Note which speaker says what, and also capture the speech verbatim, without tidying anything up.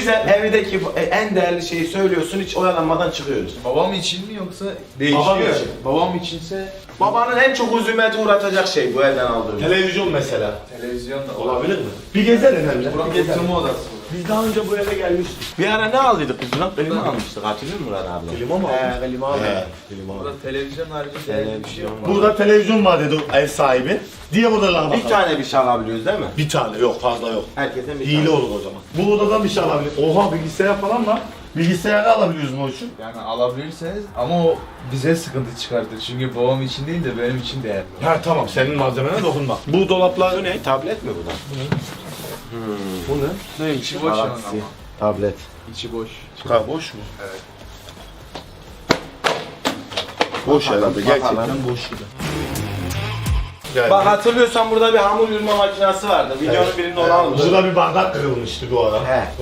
Speaker 1: bize evdeki en değerli şeyi söylüyorsun, hiç oyalanmadan çıkıyoruz.
Speaker 2: Babam için mi yoksa
Speaker 1: Babam
Speaker 2: değişiyor?
Speaker 1: için.
Speaker 2: Babam içinse
Speaker 1: Babanın en çok huzumete uğratacak şey bu evden aldığımız.
Speaker 3: Televizyon mesela.
Speaker 2: televizyon da
Speaker 3: Olabilir mi? Bir gezelim hem de.
Speaker 2: Burak
Speaker 3: Bir gezelim.
Speaker 2: oturma odası.
Speaker 3: Biz daha önce bu eve gelmiştik.
Speaker 1: Bir ara ne aldıydık biz buna? Klima almıştık, hatırlıyor musun Murat abi?
Speaker 3: Klima mı aldın?
Speaker 1: He, klima aldık.
Speaker 3: He.
Speaker 1: Klima aldık.
Speaker 2: Burada televizyon harici değerli bir şey yok.
Speaker 3: Burada televizyon var dedi ev sahibi. Diğer odalara bakalım.
Speaker 1: Bir tane bir şey alabiliyoruz değil mi?
Speaker 3: Bir tane yok, fazla yok.
Speaker 1: Herkesin bir
Speaker 3: Hile
Speaker 1: tane.
Speaker 3: olur o zaman. Bu odadan bir şey alabilir. Oha, bilgisayar falan var. Bilgisayarı alabiliyoruz mu o için?
Speaker 2: Yani alabilirseniz ama o bize sıkıntı çıkartır. Çünkü babam için değil de benim için değerli.
Speaker 3: Ha tamam, senin malzemene dokunma. Bu dolaplar
Speaker 1: Bu ne? Tablet mi bu da?
Speaker 3: bu ne?
Speaker 2: Ne içi boş yani ama.
Speaker 1: Tablet.
Speaker 2: İçi boş.
Speaker 3: Ha, boş mu?
Speaker 2: Evet.
Speaker 3: Boş herhalde, gerçekten
Speaker 1: Bakalım.
Speaker 3: boş gibi. Yani,
Speaker 1: Bak hatırlıyorsan burada bir hamur yoğurma makinesi vardı. Videonun birinde onu almıştık.
Speaker 3: burada bir bardak kırılmıştı bu ara.
Speaker 1: He.